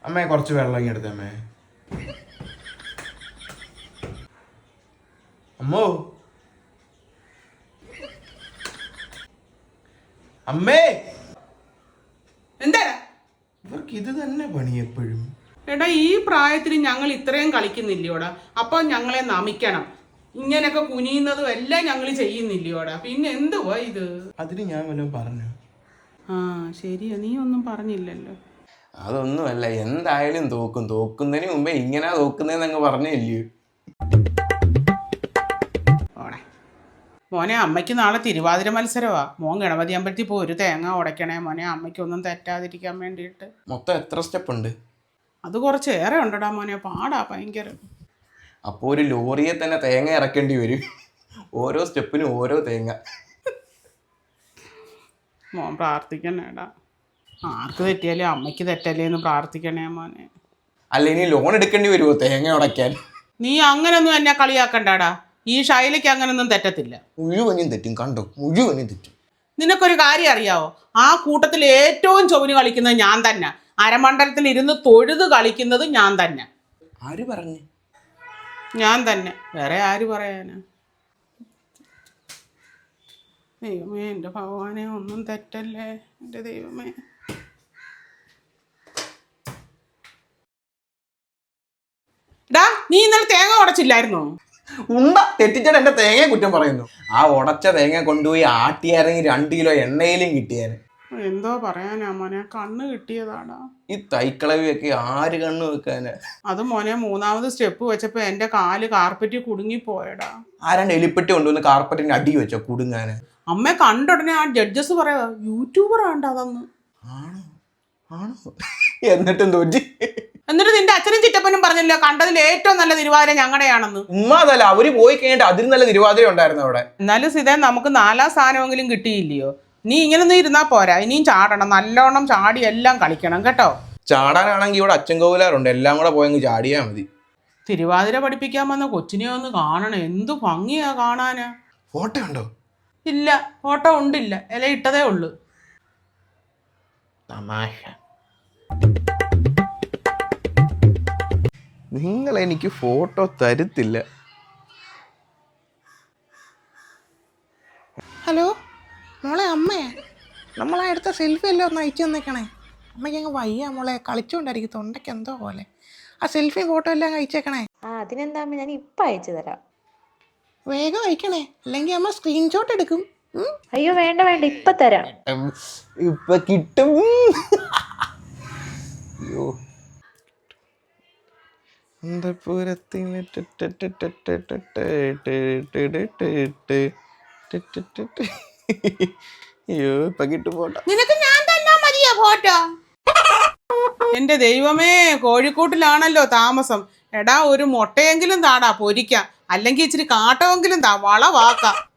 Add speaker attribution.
Speaker 1: അമ്മേ കുറച്ച് വെള്ളം ഇങ്ങെടുത്തേ അമ്മേ. അമ്മോ അമ്മേ,
Speaker 2: എന്താ
Speaker 1: ഇവർക്ക് ഇത് തന്നെ പണി എപ്പോഴും.
Speaker 2: എടാ ഈ പ്രായത്തിൽ ഞങ്ങൾ ഇത്രയും കളിക്കുന്നില്ലയോടാ, അപ്പൊ ഞങ്ങളെ നമിക്കണം. ഇങ്ങനെയൊക്കെ കുനിയുന്നതും എല്ലാം ഞങ്ങൾ ചെയ്യുന്നില്ലയോടാ, പിന്നെ എന്തുവാ ഇത്?
Speaker 1: അതിന് ഞാൻ വല്ലതും പറഞ്ഞു?
Speaker 2: ആ ശരിയാ, നീ ഒന്നും പറഞ്ഞില്ലല്ലോ.
Speaker 1: അതൊന്നുമല്ല, എന്തായാലും തോക്കും. തോക്കുന്നതിന് മുമ്പേ ഇങ്ങനെ തോക്കുന്നതെന്നങ്ങ് പറഞ്ഞില്ലയോ.
Speaker 2: മോനെ, അമ്മയ്ക്ക് നാളെ തിരുവാതിര മത്സരമാ. മോൻ ഗണപതി അമ്പലത്തിൽ പോയി ഒരു തേങ്ങ ഉടയ്ക്കണേ മോനെ, അമ്മയ്ക്കൊന്നും തെറ്റാതിരിക്കാൻ വേണ്ടിയിട്ട്.
Speaker 1: മൊത്തം എത്ര സ്റ്റെപ്പ് ഉണ്ട്?
Speaker 2: അത് കുറച്ചേറെ ഉണ്ടടാ മോനെ, പാടാ ഭയങ്കര.
Speaker 1: അപ്പോൾ ഒരു ലോറിയെ തന്നെ തേങ്ങ ഇറക്കേണ്ടി വരും, ഓരോ സ്റ്റെപ്പിനും ഓരോ തേങ്ങ.
Speaker 2: മോൻ പ്രാർത്ഥിക്കണേടാ, ആർക്ക് തെറ്റിയാലേ അമ്മയ്ക്ക് തെറ്റല്ലേ എന്ന് പ്രാർത്ഥിക്കണേ മോനെ.
Speaker 1: അല്ല, ഇനി ലോൺ എടുക്കേണ്ടി വരുമോ തേങ്ങ ഉടയ്ക്കാൻ?
Speaker 2: നീ അങ്ങനൊന്നും എന്നെ കളിയാക്കണ്ടാടാ, ഈ ഷൈലയ്ക്ക് അങ്ങനൊന്നും തെറ്റത്തില്ല.
Speaker 1: മുഴുവനും തെറ്റും, കണ്ടോ, മുഴുവനും തെറ്റും.
Speaker 2: നിനക്കൊരു കാര്യം അറിയാവോ, ആ കൂട്ടത്തിൽ ഏറ്റവും ചൊവ്വിന് കളിക്കുന്നത് ഞാൻ തന്നെ. അരമണ്ഡലത്തിൽ ഇരുന്ന് തൊഴുത് കളിക്കുന്നത് ഞാൻ തന്നെ.
Speaker 1: ആര് പറഞ്ഞു?
Speaker 2: ഞാൻ തന്നെ, വേറെ ആര് പറയാനാ? ദൈവമേ, എൻ്റെ ഭഗവാനെ, ഒന്നും തെറ്റല്ലേ എൻ്റെ ദൈവമേ. ഡാ, നീ ഇന്നലെ തേങ്ങ ഉടച്ചില്ലായിരുന്നോ?
Speaker 1: ഉണ്ട തെറ്റിച്ചാൽ എന്റെ തേങ്ങയെ കുറ്റം പറയുന്നു. ആ ഉടച്ച തേങ്ങ കൊണ്ടുപോയി ആട്ടിയായിരുന്നെങ്കിൽ 2 കിലോ എണ്ണയിലും കിട്ടിയാന്.
Speaker 2: എന്തോ പറയാനാ മോനെ, കണ്ണ് കിട്ടിയതാടാ.
Speaker 1: ഈ തൈക്കളവിയൊക്കെ ആര് കണ്ണ് വെക്കാന്?
Speaker 2: അത് മോനെ, 3ാമത് സ്റ്റെപ്പ് വെച്ചപ്പോ എന്റെ കാല് കാർപ്പറ്റിൽ കുടുങ്ങിപ്പോയടാ.
Speaker 1: ആരാണ്ട് എലിപ്പെട്ടി കൊണ്ടുവന്ന് കാർപ്പറ്റിന്റെ അടി വെച്ചോ കുടുങ്ങാന്?
Speaker 2: അമ്മ കണ്ടുടനെ ആ ജഡ്ജസ് പറയാ യൂട്യൂബർ ആണ്ട അതെന്ന്.
Speaker 1: ആണോ? ആണോ? എന്നിട്ടും തോറ്റി.
Speaker 2: എന്നിട്ട് നിന്റെ അച്ഛനും ചിറ്റപ്പനും പറഞ്ഞല്ലോ കണ്ടതിൽ ഏറ്റവും നല്ല തിരുവാതിര ഞങ്ങളുടെയാണെന്ന്.
Speaker 1: ഉമ്മാതല്ല, അവര് പോയി കഴിഞ്ഞിട്ട് അതിന് നല്ല തിരുവാതിര ഉണ്ടായിരുന്നു അവിടെ.
Speaker 2: എന്നാലും സിതേ, നമുക്ക് 4ാം സ്ഥാനമെങ്കിലും കിട്ടിയില്ലയോ? നീ ഇങ്ങനൊന്നും ഇരുന്നാ പോരാ, ഇനിയും ചാടണം, നല്ലോണം ചാടി എല്ലാം കളിക്കണം കേട്ടോ.
Speaker 1: ചാടാനാണെങ്കിൽ ഇവിടെ അച്ഛൻ കോവിലാറുണ്ട്, എല്ലാം കൂടെ പോയങ്ങ് ചാടിയാ മതി.
Speaker 2: തിരുവാതിര പഠിപ്പിക്കാൻ വന്ന കൊച്ചിനെ ഒന്ന് കാണണം, എന്തു ഭംഗിയാ കാണാനാ.
Speaker 1: ഫോട്ടോ ഉണ്ടോ?
Speaker 2: ഇല്ല, ഫോട്ടോ ഉണ്ടില്ല, ഇല ഇട്ടതേ ഉള്ളു.
Speaker 1: തമാശ. നിങ്ങൾ എനിക്ക് ഫോട്ടോ തരുത്തില്ല.
Speaker 3: ഹലോ മോളെ, അമ്മയെ നമ്മളാ എടുത്ത സെൽഫി എല്ലാം ഒന്ന് അയച്ചു തന്നേക്കണേ. അമ്മയ്ക്ക് അങ്ങ് വയ്യ മോളെ, കളിച്ചുകൊണ്ടായിരിക്കും, തൊണ്ടയ്ക്ക് എന്തോ പോലെ. ആ സെൽഫി ഫോട്ടോ എല്ലാം അയച്ചേക്കണേ.
Speaker 4: അതിനെന്താ അമ്മ, ഞാൻ ഇപ്പം അയച്ചു തരാം.
Speaker 3: വേഗം അയക്കണേ, അല്ലെങ്കിൽ അമ്മ സ്ക്രീൻഷോട്ട് എടുക്കും.
Speaker 4: അയ്യോ വേണ്ട വേണ്ട, ഇപ്പം തരാം.
Speaker 1: ഇപ്പൊ കിട്ടും. അയ്യോ, അയ്യോ ഇപ്പൊ കിട്ടും ഫോട്ടോ.
Speaker 2: നിനക്ക് ഞാൻ തന്നാ മതിയോ ഫോട്ടോ? എന്റെ ദൈവമേ, കോഴിക്കോട്ടിലാണല്ലോ താമസം. എടാ, ഒരു മുട്ടയെങ്കിലും താടാ പൊരിക്കാം, അല്ലെങ്കിൽ ഇച്ചിരി കാട്ടമെങ്കിലും താ, വളവാക്കാം.